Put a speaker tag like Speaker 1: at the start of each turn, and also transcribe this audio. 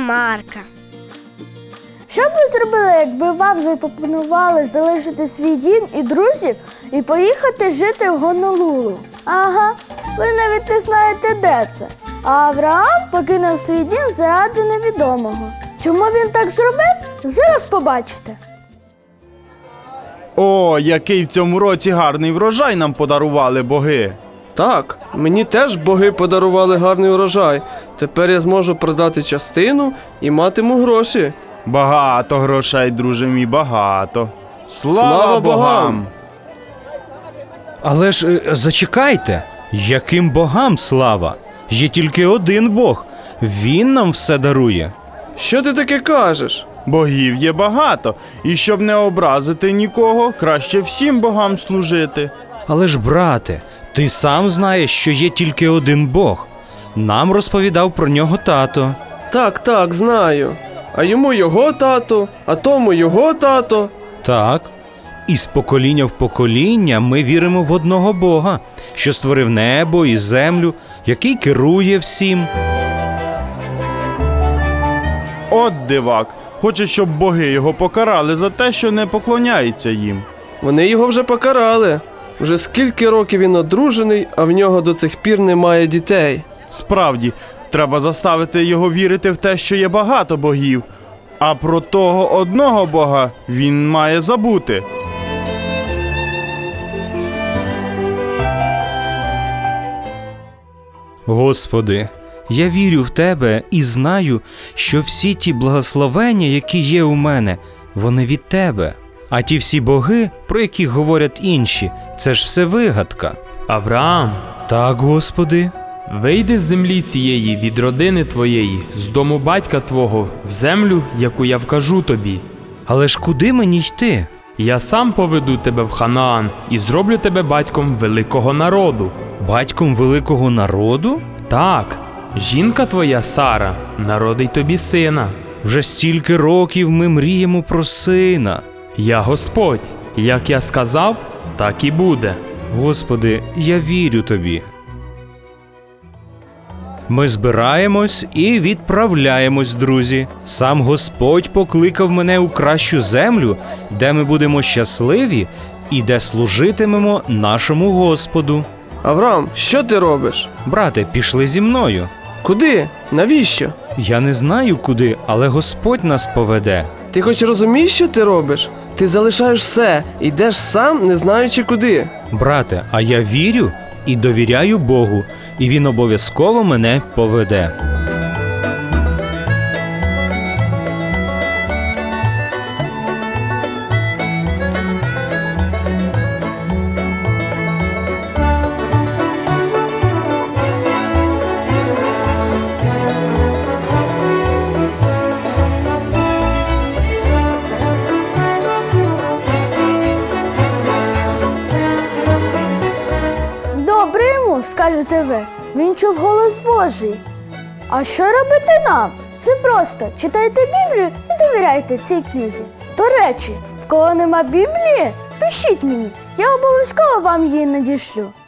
Speaker 1: Марка.
Speaker 2: Що б ви зробили, якби вам запропонували залишити свій дім і друзів і поїхати жити в Гонолулу? Ага, ви навіть не знаєте, де це. А Авраам покинув свій дім заради невідомого. Чому він так зробив? Зараз побачите.
Speaker 3: О, який в цьому році гарний врожай нам подарували боги.
Speaker 4: Так, мені теж боги подарували гарний урожай. Тепер я зможу продати частину і матиму гроші.
Speaker 3: Багато грошей, друже мій, багато. Слава
Speaker 4: Слава
Speaker 3: богам!
Speaker 4: богам!
Speaker 5: Але ж зачекайте, яким богам слава? Є тільки один Бог, Він нам все дарує.
Speaker 4: Що ти таке кажеш?
Speaker 3: Богів є багато, і щоб не образити нікого, краще всім богам служити.
Speaker 5: Але ж, брате, ти сам знаєш, що є тільки один Бог. Нам розповідав про нього тато.
Speaker 4: Так, знаю. А йому його тато, а тому його тато.
Speaker 5: Так. І з покоління в покоління ми віримо в одного Бога, що створив небо і землю, який керує всім.
Speaker 3: От дивак, хоче, щоб боги його покарали за те, що не поклоняється їм.
Speaker 4: Вони його вже покарали. Вже скільки років він одружений, а в нього до цих пір немає дітей.
Speaker 3: Справді, треба заставити його вірити в те, що є багато богів, а про того одного бога він має забути.
Speaker 5: Господи, я вірю в Тебе і знаю, що всі ті благословення, які є у мене, вони від Тебе. А ті всі боги, про яких говорять інші, це ж все вигадка.
Speaker 6: Авраам,
Speaker 5: Так, Господи.
Speaker 6: вийди з землі цієї від родини твоєї, з дому батька твого, в землю, яку я вкажу тобі.
Speaker 5: Але ж куди мені йти?
Speaker 6: Я сам поведу тебе в Ханаан і зроблю тебе батьком великого народу.
Speaker 5: Батьком великого народу?
Speaker 6: Так, жінка твоя Сара народить тобі сина.
Speaker 5: Вже стільки років ми мріємо про сина.
Speaker 6: Я Господь, як я сказав, так і буде.
Speaker 5: Господи, я вірю Тобі. Ми збираємось і відправляємось, друзі. Сам Господь покликав мене у кращу землю, де ми будемо щасливі і де служитимемо нашому Господу.
Speaker 4: Авраам, що ти робиш?
Speaker 5: Брате, пішли зі мною.
Speaker 4: Куди? Навіщо?
Speaker 5: Я не знаю куди, але Господь нас поведе.
Speaker 4: Ти хоч розумієш, що ти робиш? Ти залишаєш все, йдеш сам, не знаючи куди.
Speaker 5: Брате, а я вірю і довіряю Богу, і Він обов'язково мене поведе.
Speaker 2: Добре йому, скажете ви, він чув голос Божий. А що робити нам? Це просто читайте Біблію і довіряйте цій книзі. До речі, в кого нема Біблії, пишіть мені, я обов'язково вам її надішлю.